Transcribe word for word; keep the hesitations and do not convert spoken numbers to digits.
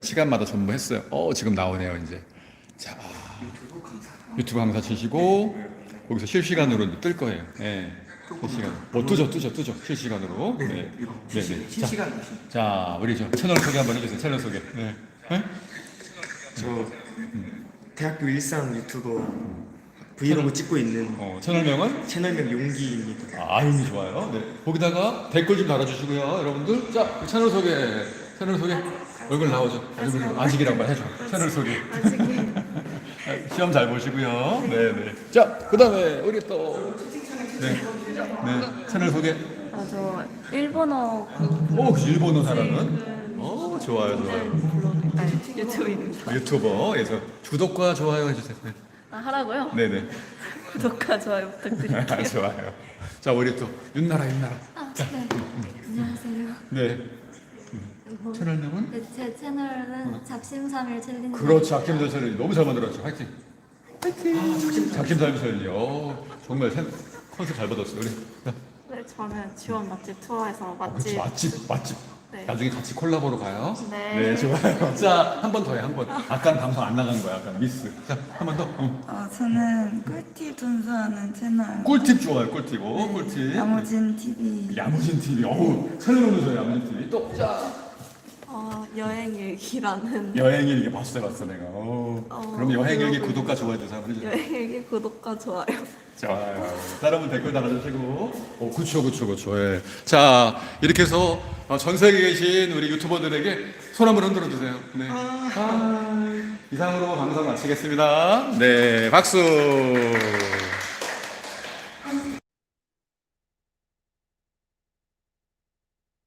시간마다 전부 했어요. 어, 지금 나오네요, 이제. 자, 유튜브 강사 치시고, 거기서 실시간으로 뜰 거예요. 네. 실시간. 뭐, 뜨죠, 뜨죠, 뜨죠. 실시간으로. 네. 네, 네. 실시간. 자, 자, 우리 저 채널 소개 한번 해주세요. 채널 소개. 네. 네? 저 대학교 일상 유튜버 브이로그 찍고 있는 어, 채널명은? 채널명 용기입니다. 아, 아임이 좋아요. 네. 거기다가 댓글 좀 달아주시고요, 여러분들. 자, 채널 소개. 채널 소개. 얼굴 나오죠. 얼굴 아직이란 말 해줘. 채널 소개. 아직이 시험 잘 보시고요. 네, 네. 자, 그다음에 우리 또 네, 네. 채널 소개. 아, 저 일본어 오, 그 일본어 사람은? 오, 좋아요, 좋아요. 블로그 아니 유튜브입니다. 유튜버에서 구독과 좋아요 해주세요. 네, 아, 하라고요? 네, 네. 구독과 좋아요 부탁드릴게요. 아, 좋아요. 자, 우리 또 윤나라, 윤나라. 아, 네. 안녕하세요. 네. 채널명은? 네, 제 채널은 잡심삼일 챌린지. 그렇죠. 아낌도 채널 너무 잘 만들었죠. 화이팅. 화이팅. 작심삼일 챌린지. 오, 정말 새- 컨셉 잘 받았어요. 우리. 자, 네, 저는 지원 맛집 투어에서 그렇지, 맛집 맛집, 맛집. 네. 나중에 같이 콜라보로 가요. 네. 좋아요. 자, 한 번 더 해, 한 번. 아까는 방송 안 나간 거야, 아까 미스. 자, 한 번 더. 응. 어, 저는 꿀팁 전수하는 채널 꿀팁 좋아요, 꿀팁. 오, 꿀팁. 야무진 티비. 야무진 티비. 어우, 새로운 죠 야무진 티비. 또, 자. 어, 여행 일기라는 여행 일기 봤어, 봤어, 내가. 오. 어, 그럼 여행 일기 그러고 구독과 좋아요 주세요. 한번 해주세요. 여행 일기 구독과 좋아요. 좋아요. 여러분 댓글 달아주시고. 오, 그쵸, 그쵸, 그쵸. 예. 자, 이렇게 해서 어, 전 세계에 계신 우리 유튜버들에게 손 한번 흔들어 주세요. 네. 아, 이상으로 방송 마치겠습니다. 네, 박수.